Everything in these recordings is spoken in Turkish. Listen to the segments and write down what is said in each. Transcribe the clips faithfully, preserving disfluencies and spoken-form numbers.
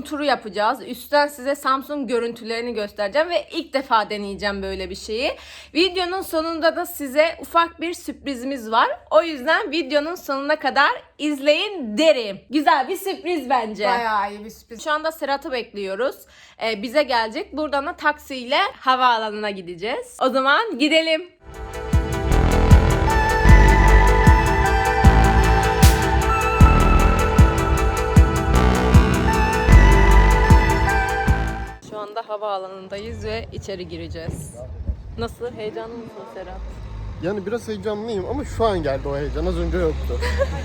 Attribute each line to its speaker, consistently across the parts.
Speaker 1: turu yapacağız. Üstten size Samsung görüntülerini göstereceğim ve ilk defa deneyeceğim böyle bir şeyi. Videonun sonunda da size ufak bir sürprizimiz var. O yüzden videonun sonuna kadar izleyin derim. Güzel bir sürpriz bence.
Speaker 2: Bayağı iyi bir sürpriz.
Speaker 1: Şu anda Serhat'ı bekliyoruz. Ee, bize gelecek. Buradan da taksiyle havaalanına gideceğiz. O zaman gidelim. Şu anda havaalanındayız ve içeri gireceğiz. Nasıl? Heyecanlı mısın Serhat?
Speaker 3: Yani biraz heyecanlıyım ama şu an geldi o heyecan. Az önce yoktu.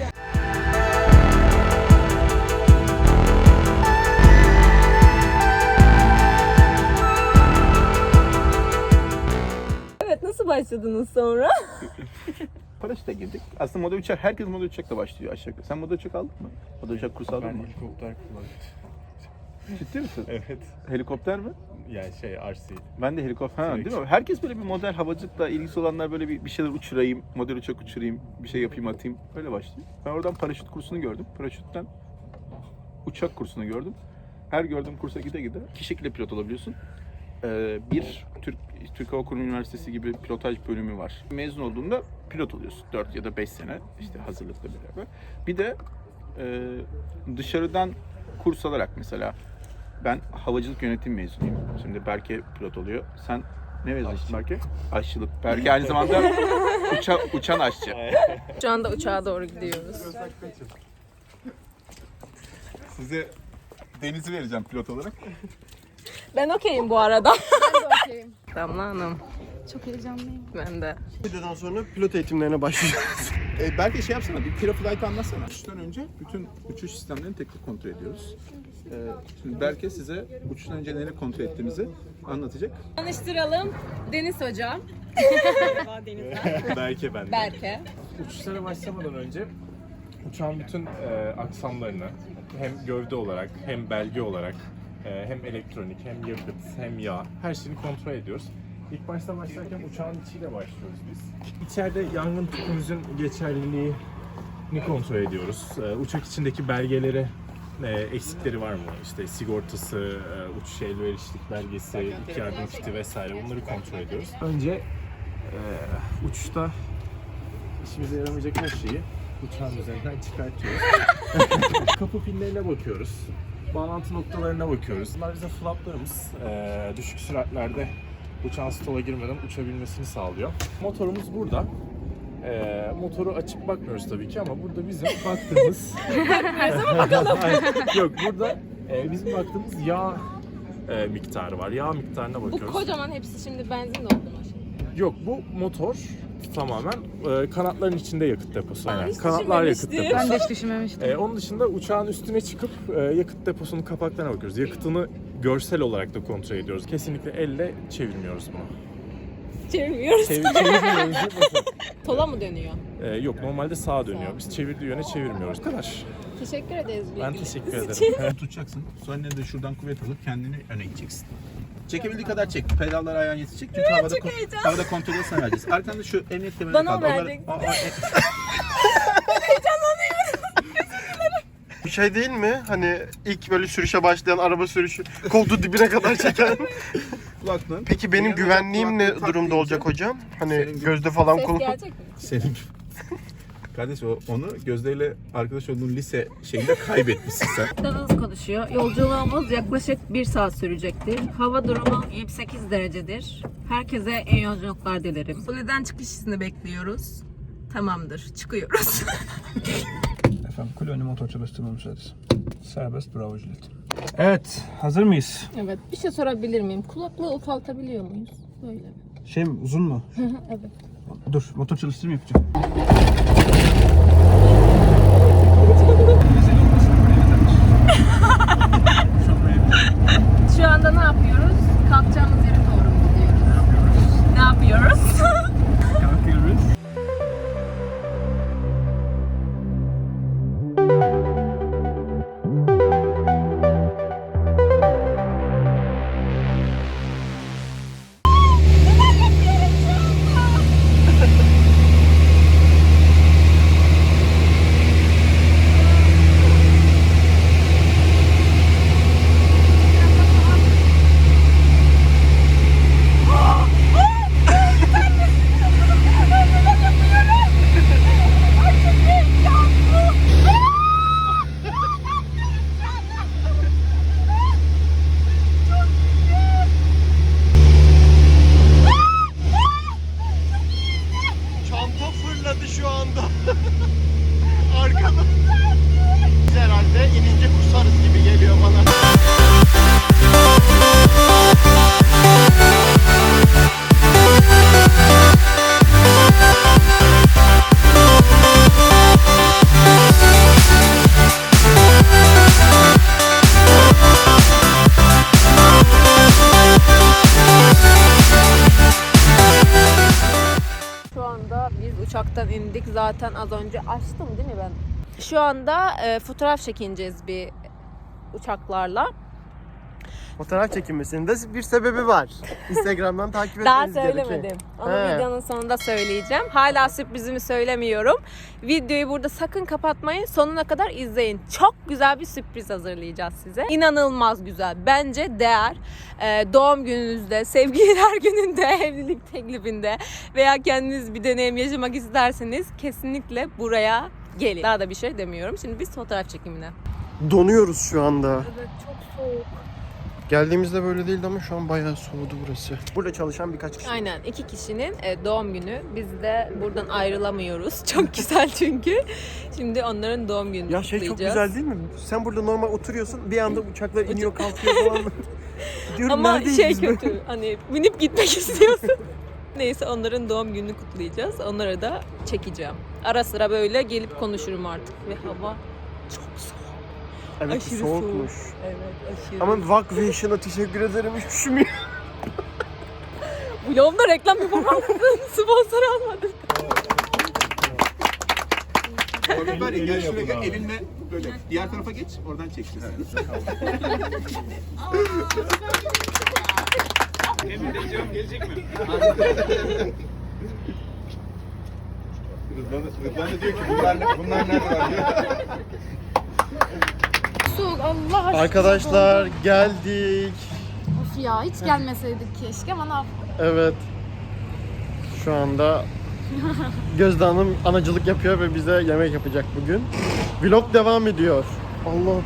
Speaker 1: Evet, nasıl başladınız sonra?
Speaker 4: Paraşütle girdik. Aslında model uçak, herkes model uçakla başlıyor aşağı yukarı. Sen model uçak aldın mı? Model uçak kursu aldın
Speaker 5: Ben
Speaker 4: mı?
Speaker 5: helikopter kullanıyorum.
Speaker 4: Ciddi misin?
Speaker 5: Evet.
Speaker 4: Helikopter mi?
Speaker 5: Yani şey R C.
Speaker 4: Ben de helikopter. Ha,
Speaker 5: Direkt.
Speaker 4: değil mi? Herkes böyle bir model havacılıkla ilgisi olanlar böyle bir, bir şeyler uçurayım, model uçak uçurayım, bir şey yapayım atayım. Böyle başlıyor. Ben oradan paraşüt kursunu gördüm. Paraşütten uçak kursunu gördüm. Her gördüğüm kursa gide gide iki şekilde pilot olabiliyorsun. Ee, bir, Türk Türk Hava Kurumu Üniversitesi gibi pilotaj bölümü var. Mezun olduğunda pilot oluyorsun. dört ya da beş sene işte hazırlıkla beraber. Bir de e, dışarıdan kurs alarak mesela ben havacılık yönetim mezunuyum. Şimdi Berke pilot oluyor. Sen ne mezunusun Berke? Aşçılık. Berke aynı zamanda uça, uçan aşçı.
Speaker 1: Şu anda uçağa doğru gidiyoruz.
Speaker 4: Size Deniz'i vereceğim pilot olarak.
Speaker 1: Ben okeyim bu arada.
Speaker 2: Ben de okeyim.
Speaker 1: Damla Hanım.
Speaker 2: Çok heyecanlıyım.
Speaker 1: Ben de.
Speaker 3: Videodan sonra pilot eğitimlerine başlayacağız.
Speaker 4: E, belki şey yapsana, bir Piraflight'ı anlatsana. Uçuştan önce bütün uçuş sistemlerini tek tek kontrol ediyoruz. E, şimdi Berke size uçuştan önce neleri kontrol ettiğimizi anlatacak.
Speaker 1: Tanıştıralım. Deniz Hocam.
Speaker 5: Belki ben de.
Speaker 1: Berke.
Speaker 5: Uçuşlara başlamadan önce uçağın bütün e, aksamlarını hem gövde olarak hem belge olarak e, hem elektronik hem yakıt hem yağ her şeyini kontrol ediyoruz. İlk başta başlarken uçağın içiyle başlıyoruz biz. İçeride yangın tüpümüzün geçerliliğini kontrol ediyoruz. E, uçak içindeki belgeleri e, eksikleri var mı? İşte sigortası, e, uçuş elverişlik belgesi, ilk yardım kiti vesaire bunları kontrol ediyoruz. Önce e, uçuşta işimize yaramayacak her şeyi uçağın üzerinden çıkartıyoruz. Kapı pinlerine bakıyoruz. Bağlantı noktalarına bakıyoruz. Bunlar bize flaplarımız. E, düşük süratlerde uçağın stola girmeden uçabilmesini sağlıyor. Motorumuz burada. Ee, motoru açıp bakmıyoruz tabii ki ama burada bizim baktığımız... Her zaman bakalım. Yok, burada e, bizim baktığımız yağ e, miktarı var. Yağ miktarına bakıyoruz.
Speaker 1: Bu kocaman hepsi şimdi benzin doldu mu?
Speaker 5: Yok, bu motor tamamen e, kanatların içinde yakıt deposu.
Speaker 1: Aa,
Speaker 5: Aynen.
Speaker 1: hiç
Speaker 5: Kanatlar yakıt
Speaker 1: düşünmemiştim.
Speaker 5: deposu.
Speaker 2: Ben de hiç düşünmemiştim.
Speaker 5: E, onun dışında uçağın üstüne çıkıp e, yakıt deposunun kapaklarına bakıyoruz. Yakıtını görsel olarak da kontrol ediyoruz. Kesinlikle elle çevirmiyoruz bunu.
Speaker 1: Çevirmiyoruz.
Speaker 5: Çevir, çevirmiyoruz değil mi?
Speaker 1: Sola mı dönüyor?
Speaker 5: Ee, yok, normalde sağa dönüyor. Biz çevirdiği yöne çevirmiyoruz. Bu kadar.
Speaker 1: Teşekkür ederiz.
Speaker 5: Ben teşekkür ederim.
Speaker 4: Tutacaksın. Sonra de şuradan kuvvet alıp kendini öne gideceksin. Çekebildiği kadar çek. Pedallar ayağın yetişecek. Çünkü havada, ko- havada kontrolü sana vereceğiz. Arkanda şu emniyet kemerine
Speaker 1: Bana
Speaker 4: kaldı.
Speaker 1: mı
Speaker 4: Onları-
Speaker 1: vereceksin?
Speaker 4: Aa, aa, e-
Speaker 3: Bir şey değil mi? Hani ilk böyle sürüşe başlayan araba sürüşü koltuğu dibine kadar çeken.
Speaker 4: Kulaklığın.
Speaker 3: Peki benim
Speaker 4: Senin
Speaker 3: güvenliğim ne
Speaker 4: kulaklığı
Speaker 3: durumda
Speaker 4: tak
Speaker 3: olacak
Speaker 4: deyince-
Speaker 3: hocam? Hani
Speaker 4: Senin gibi-
Speaker 3: gözde falan
Speaker 1: Ses
Speaker 3: konu.
Speaker 1: gelecek mi?
Speaker 4: Senin Kardeş o, onu Gözde'yle arkadaş olduğun lise şeyinde kaybetmişsin sen.
Speaker 1: Daha hızlı konuşuyor. Yolculuğumuz yaklaşık bir saat sürecektir. Hava durumu yirmi sekiz derecedir. Herkese iyi yolculuklar dilerim. Kuleden çıkış izni bekliyoruz. Tamamdır. Çıkıyoruz.
Speaker 6: Efendim kule önü motor çalıştırma müsaadesi. Serbest bravo Juliet. Evet, hazır mıyız?
Speaker 1: Evet. Bir şey sorabilir miyim? Kulaklığı ufaltabiliyor muyuz? Böyle mi?
Speaker 6: Şey mi, uzun mu?
Speaker 1: Evet.
Speaker 6: Dur, motor çalıştırma yapacağım.
Speaker 1: Şu anda ne yapıyoruz? Kalkacağımız yere doğru mu gidiyoruz? Ne yapıyoruz?
Speaker 6: Kalkıyoruz.
Speaker 3: oynadı şu anda. Arkada. Biz herhalde inince kusarız gibi geliyor bana.
Speaker 1: Şu anda biz uçaktan indik. Zaten az önce açtım değil mi ben? Şu anda e, fotoğraf çekineceğiz bir uçaklarla.
Speaker 3: Fotoğraf çekinmesinin de bir sebebi var. Instagram'dan takip
Speaker 1: Daha
Speaker 3: etmeniz gerekiyor.
Speaker 1: söylemedim. Onu
Speaker 3: He.
Speaker 1: videonun sonunda söyleyeceğim. Hala sürprizimi söylemiyorum. Videoyu burada sakın kapatmayın. Sonuna kadar izleyin. Çok güzel bir sürpriz hazırlayacağız size. İnanılmaz güzel. Bence değer. Ee, doğum gününüzde, sevgililer gününde, evlilik teklifinde veya kendiniz bir deneyim yaşamak isterseniz kesinlikle buraya gelin. Daha da bir şey demiyorum. Şimdi biz fotoğraf çekimine.
Speaker 3: Donuyoruz şu anda.
Speaker 1: Evet, çok soğuk.
Speaker 3: Geldiğimizde böyle değildi ama şu an bayağı soğudu burası. Burada çalışan birkaç kişi.
Speaker 1: Aynen, iki kişinin e, doğum günü. Biz de buradan ayrılamıyoruz. Çok güzel çünkü. Şimdi onların doğum gününü
Speaker 3: Ya şey çok
Speaker 1: kutlayacağız.
Speaker 3: güzel değil mi? Sen burada normal oturuyorsun, bir anda uçaklar iniyor kalkıyor falan. Diyorum,
Speaker 1: Ama
Speaker 3: neredeyiz
Speaker 1: şey
Speaker 3: biz
Speaker 1: kötü,
Speaker 3: böyle?
Speaker 1: hani binip gitmek istiyorsun. Neyse, onların doğum gününü kutlayacağız. Onlara da çekeceğim. Ara sıra böyle gelip konuşurum artık. Ve hava çok soğuk.
Speaker 3: Evet,
Speaker 1: Aşırı
Speaker 3: soğukmuş.
Speaker 1: soğuk. Evet, aşırı.
Speaker 3: Ama Vakvation'a teşekkür ederim, hiç üşümüyor.
Speaker 1: Vlogumda reklam yapamam mısın? Sponsor almadım.
Speaker 4: Orada var ya, gel şuraya gel, elinle böyle diğer tarafa geç, oradan çekeceğiz. Gelecek mi? Rıdvan, Rıdvan da diyor ki bunlar, bunlar nerede var diyor.
Speaker 2: Soğuk Allah aşkına.
Speaker 3: Arkadaşlar geldik.
Speaker 2: Of ya, hiç gelmeseydik keşke ama ne yapalım.
Speaker 3: Evet. Şu anda Gözde Hanım anacılık yapıyor ve bize yemek yapacak bugün. Vlog devam ediyor. Allah.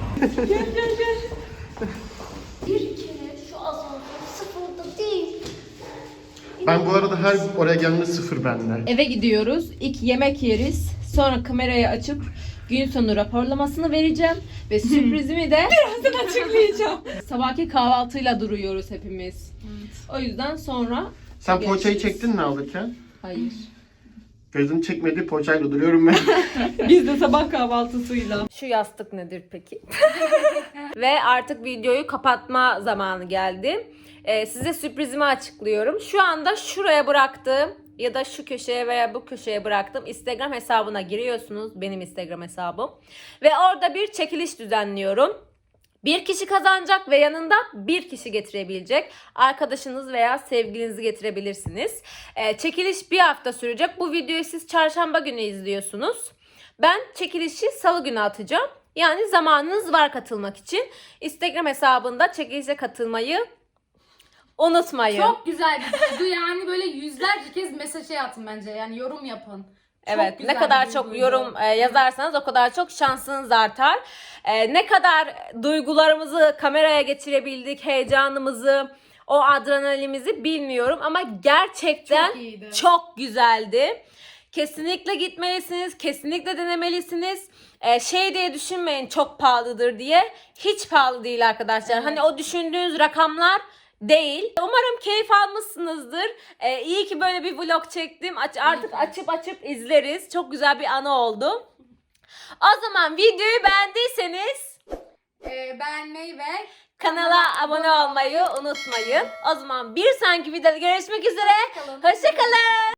Speaker 7: Bir kere şu asansör sıfırda değil.
Speaker 3: Ben bu arada her oraya geldiğimde sıfır bende.
Speaker 1: Eve gidiyoruz. İlk yemek yeriz. Sonra kamerayı açıp gün sonu raporlamasını vereceğim. Ve sürprizimi de birazdan açıklayacağım. Sabahki kahvaltıyla duruyoruz hepimiz. O yüzden sonra...
Speaker 3: Sen
Speaker 1: Görüşürüz.
Speaker 3: poğaçayı çektin mi alırken?
Speaker 1: Hayır.
Speaker 3: Gözüm çekmedi, poğaçayla duruyorum ben.
Speaker 1: Biz de sabah kahvaltısıyla. Şu yastık nedir peki? Ve artık videoyu kapatma zamanı geldi. Ee, size sürprizimi açıklıyorum. Şu anda şuraya bıraktığım ya da şu köşeye veya bu köşeye bıraktığım Instagram hesabına giriyorsunuz. Benim Instagram hesabım. Ve orada bir çekiliş düzenliyorum. Bir kişi kazanacak ve yanında bir kişi getirebilecek. Arkadaşınız veya sevgilinizi getirebilirsiniz. Ee, çekiliş bir hafta sürecek. Bu videoyu siz çarşamba günü izliyorsunuz. Ben çekilişi salı günü atacağım. Yani zamanınız var katılmak için. Instagram hesabında çekilişe katılmayı unutmayın.
Speaker 2: Çok güzel bir duygu, yani böyle yüzlerce kez mesaj atın bence, yani yorum yapın. Çok
Speaker 1: Evet,
Speaker 2: güzel
Speaker 1: ne kadar
Speaker 2: bir
Speaker 1: çok
Speaker 2: duyguydu.
Speaker 1: yorum e, yazarsanız o kadar çok şansınız artar. E, ne kadar duygularımızı kameraya geçirebildik, heyecanımızı, o adrenalinimizi bilmiyorum ama gerçekten
Speaker 2: Çok iyiydi.
Speaker 1: çok güzeldi. Kesinlikle gitmelisiniz, kesinlikle denemelisiniz. E, şey diye düşünmeyin çok pahalıdır diye. Hiç pahalı değil arkadaşlar. Hani o düşündüğünüz rakamlar değil. Umarım keyif almışsınızdır. Ee, iyi ki böyle bir vlog çektim. Aç, artık açıp açıp izleriz. Çok güzel bir anı oldu. O zaman videoyu beğendiyseniz
Speaker 2: Ee, beğenmeyi ve
Speaker 1: kanala abone olmayı unutmayın. O zaman bir sonraki videoda görüşmek üzere.
Speaker 2: kalın.
Speaker 1: Hoşça kalın.